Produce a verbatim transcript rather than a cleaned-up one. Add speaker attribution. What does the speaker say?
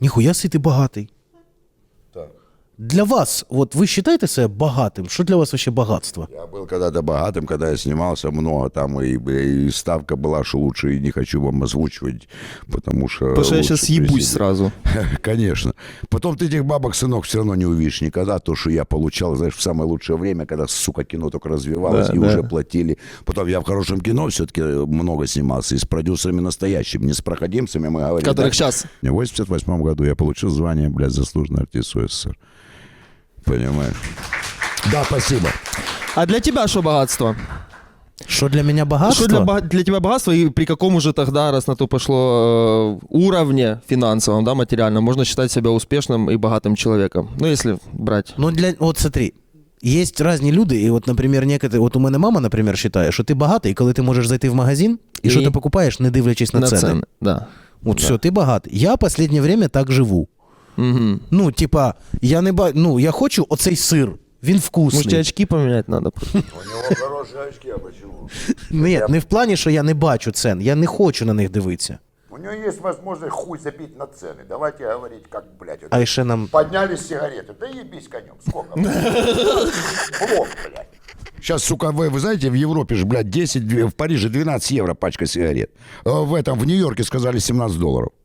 Speaker 1: Ніхуя си ти багатий.
Speaker 2: Так.
Speaker 1: Для вас, вот вы считаете себя богатым? Что для вас вообще богатство?
Speaker 2: Я был когда-то богатым, когда я снимался много там, и, и ставка была, что лучше, и не хочу вам озвучивать, потому что...
Speaker 3: Потому что я сейчас ебусь сразу.
Speaker 2: Конечно. Потом ты этих бабок, сынок, все равно не увидишь никогда. То, что я получал, знаешь, в самое лучшее время, когда, сука, кино только развивалось,
Speaker 3: Да,
Speaker 2: и
Speaker 3: да.
Speaker 2: уже платили. Потом я в хорошем кино все-таки много снимался, и с продюсерами настоящими, не с проходимцами, мы говорим.
Speaker 3: Которых
Speaker 2: да?
Speaker 3: сейчас.
Speaker 2: В восемьдесят восьмом году я получил звание, блядь, заслуженный артист СССР. Понимаешь? Да, спасибо.
Speaker 3: А для тебя что богатство?
Speaker 1: Что для меня богатство?
Speaker 3: Что для, бога- для тебя богатство и при каком уже тогда, раз на то пошло, э, уровне финансовом, да, материальном, можно считать себя успешным и богатым человеком? Ну, если брать.
Speaker 1: Ну, для, вот смотри, есть різні люди, і от, наприклад, некоторі, от у мене мама, наприклад, вважає, що ти багатий, коли ти можеш зайти в магазин, і,
Speaker 3: І?
Speaker 1: що ти покупаєш, не дивлячись на,
Speaker 3: На
Speaker 1: ціни.
Speaker 3: цены, да.
Speaker 1: От
Speaker 3: Да.
Speaker 1: все, ти багатий. Я в останнє время так живу.
Speaker 3: Угу.
Speaker 1: Ну, типа, я не ба... ну, я хочу оцей сир, він вкусний.
Speaker 3: Может, тебе очки поменять надо?
Speaker 2: У него хорошие очки, а почему?
Speaker 1: Ні, не в плані, що я не бачу цен, я не хочу на них дивитися.
Speaker 2: У него есть возможность хуй забить на цены. Давайте говорить, как, блядь. Вот.
Speaker 1: А ще нам...
Speaker 2: Поднялись сигареты. Да ебись конем. Сколько? Блок, блядь. Сейчас, сука, вы, вы знаете, в Европе же, блядь, десять, в Париже двенадцать евро пачка сигарет. А В этом, в Нью-Йорке сказали семнадцать долларов.